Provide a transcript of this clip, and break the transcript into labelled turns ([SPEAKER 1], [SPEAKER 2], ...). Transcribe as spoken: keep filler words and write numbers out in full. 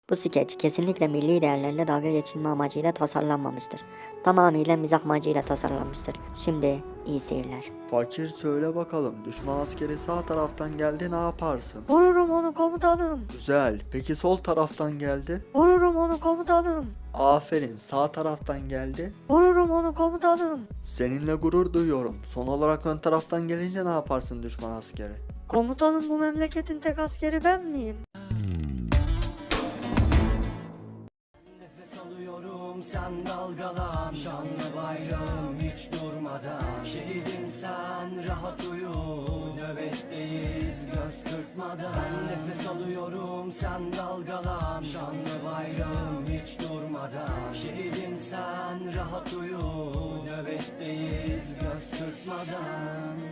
[SPEAKER 1] Bu skeç kesinlikle milli değerlerle dalga geçilme amacıyla tasarlanmamıştır. Tamamıyla mizah amacıyla tasarlanmıştır. Şimdi iyi seyirler.
[SPEAKER 2] Fakir söyle bakalım, düşman askeri sağ taraftan geldi, ne yaparsın?
[SPEAKER 3] Vururum onu komutanım.
[SPEAKER 2] Güzel. Peki sol taraftan geldi?
[SPEAKER 3] Vururum onu komutanım.
[SPEAKER 2] Aferin. Sağ taraftan geldi.
[SPEAKER 3] Vururum onu komutanım.
[SPEAKER 2] Seninle gurur duyuyorum. Son olarak ön taraftan gelince ne yaparsın düşman askeri?
[SPEAKER 3] Komutanım, bu memleketin tek askeri ben miyim?
[SPEAKER 4] Nefes alıyorum, sen dalgalan. Şanlı bayrağım hiç durmadan. Şehidim sen, rahat uyu. Nöbetteyiz göz kırpmadan. Ben nefes alıyorum, sen dalgalan. Şanlı bayrağım hiç durmadan. Şehidim sen, rahat uyu. Nöbetteyiz göz kırpmadan.